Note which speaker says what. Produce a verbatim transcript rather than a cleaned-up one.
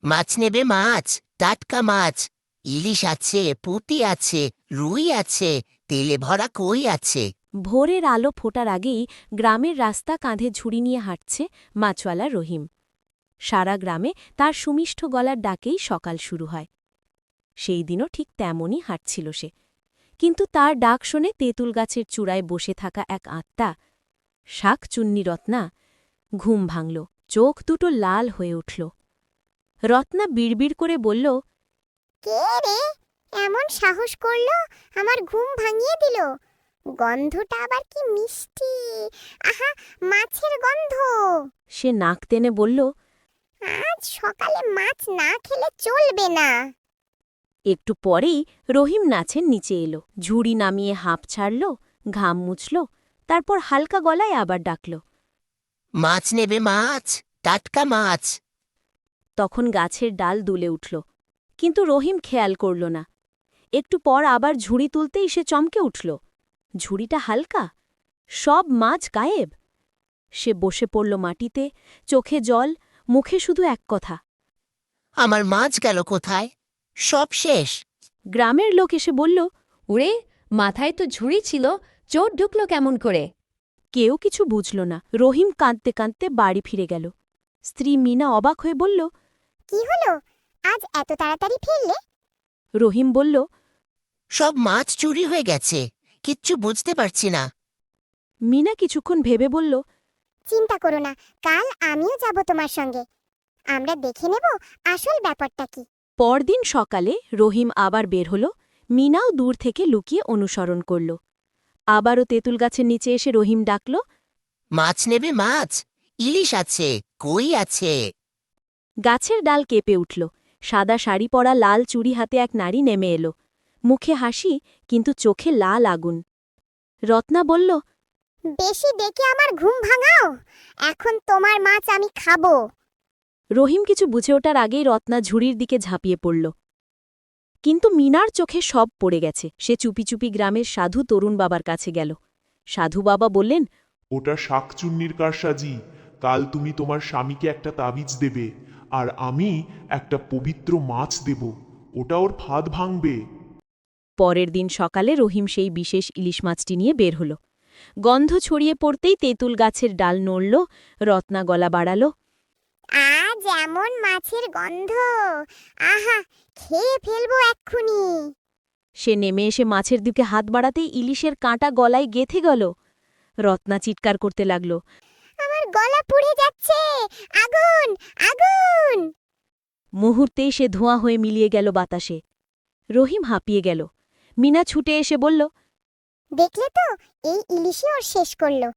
Speaker 1: মাছ নেবে মাছ, টাটকা মাছ। ইলিশ আছে, পুঁটি আছে, রুই আছে, তেলে ভরা কই আছে।
Speaker 2: ভোরের আলো ফোটার আগেই গ্রামের রাস্তা কাঁধে ঝুড়ি নিয়ে হাঁটছে মাছওয়ালা রহিম। সারা গ্রামে তার সুমিষ্ঠ গলার ডাকেই সকাল শুরু হয়। সেই দিনও ঠিক তেমনই হাঁটছিল সে, কিন্তু তার ডাক শুনে তেঁতুল গাছের চূড়ায় বসে থাকা এক আত্মা, শাক চুন্নি রত্না, ঘুম ভাঙল, চোখ দুটো লাল হয়ে উঠল। রত্না বিড়বিড় করে বলল,
Speaker 3: কে রে এমন সাহস করলো আমার ঘুম ভাঙিয়ে দিল? গন্ধটা আবার কি মিষ্টি! আহা, মাছের গন্ধ!
Speaker 2: সে নাক টেনে বলল,
Speaker 3: আজ সকালে মাছ না খেলে চলবে না।
Speaker 2: একটু পরেই রহিম নাচের নিচে এলো, ঝুড়ি নামিয়ে হাঁপ ছাড়ল, ঘাম মুছল, তারপর হালকা গলায় আবার ডাকল।
Speaker 1: মাছ নেবে মাছ, টাটকা মাছ।
Speaker 2: তখন গাছের ডাল দুলে উঠল, কিন্তু রহিম খেয়াল করল না। একটু পর আবার ঝুড়ি তুলতেই সে চমকে উঠল। ঝুড়িটা হালকা, সব মাছ গায়েব। সে বসে পড়ল মাটিতে, চোখে জল, মুখে শুধু এক কথা,
Speaker 1: আমার মাছ গেল কোথায়? সব শেষ।
Speaker 2: গ্রামের লোক এসে বলল,
Speaker 4: ওরে, মাথায় তো ঝুড়ি ছিল, চোর ঢুকল কেমন করে?
Speaker 2: কেউ কিছু বুঝল না। রহিম কাঁদতে কাঁদতে বাড়ি ফিরে গেল। স্ত্রী মিনা অবাক হয়ে বলল,
Speaker 3: কি হলো, আজ এত তাড়াতাড়ি ফিরলে?
Speaker 2: রহিম বলল,
Speaker 1: সব মাছ চুরি হয়ে গেছে, কিচ্ছু বুঝতে পারছি না।
Speaker 2: মিনা কিছুক্ষণ ভেবে বলল,
Speaker 3: চিন্তা করো না, কাল আমিও যাব তোমার সঙ্গে। আমরা দেখে নেব আসল ব্যাপারটা কি।
Speaker 2: পরদিন সকালে রহিম আবার বের হল। মিনাও দূর থেকে লুকিয়ে অনুসরণ করল। আবারও তেঁতুল গাছের নিচে এসে রহিম ডাকল,
Speaker 1: মাছ নেবে মাছ, ইলিশ আছে, কই আছে।
Speaker 2: গাছের ডাল কেঁপে উঠল। সাদা শাড়ি পরা লাল চুড়ি হাতে এক নারী নেমে এলো, মুখে হাসি, কিন্তু চোখে লাল আগুন। রত্না বলল,
Speaker 3: বেশি ডেকে আমার ঘুম ভাঙাও, এখন তোমার মাছ আমি খাবো।
Speaker 2: রহিম কিছু বুঝে ওঠার আগেই রত্না ঝুড়ির দিকে ঝাঁপিয়ে পড়ল। কিন্তু মিনার চোখে সব পড়ে গেছে। সে চুপি চুপি গ্রামের সাধু তরুণ বাবার কাছে গেল। সাধু বাবা বললেন,
Speaker 5: ওটা শাকচুন্নির কারসাজি। কাল তুমি তোমার স্বামীকে একটা তাবিজ দেবে, আর আমি একটা পবিত্র মাছ দেব। ওটা ওর ফাঁদ ভাঙবে।
Speaker 2: পরের দিন সকালে রহিম সেই বিশেষ ইলিশ মাছটি নিয়ে বের হল। গন্ধ ছড়িয়ে পড়তেই তেঁতুল গাছের ডাল নড়ল। রত্না গলা বাড়াল,
Speaker 3: আজ এমন মাছের গন্ধ, আহা, খেয়ে ফেলবো এক্ষুনি।
Speaker 2: সে নেমে এসে মাছের দিকে হাত বাড়াতেই ইলিশের কাঁটা গলায় গেঁথে গেল। রত্না চিৎকার করতে লাগল,
Speaker 3: আমার গলা পুড়ে যাচ্ছে, আগুন, আগুন!
Speaker 2: মুহূর্তেই সে ধোঁয়া হয়ে মিলিয়ে গেল বাতাসে। রহিম হাঁপিয়ে গেল। মিনা ছুটে এসে বলল,
Speaker 3: দেখলে তো, এই ইলিশে ওর শেষ করলো।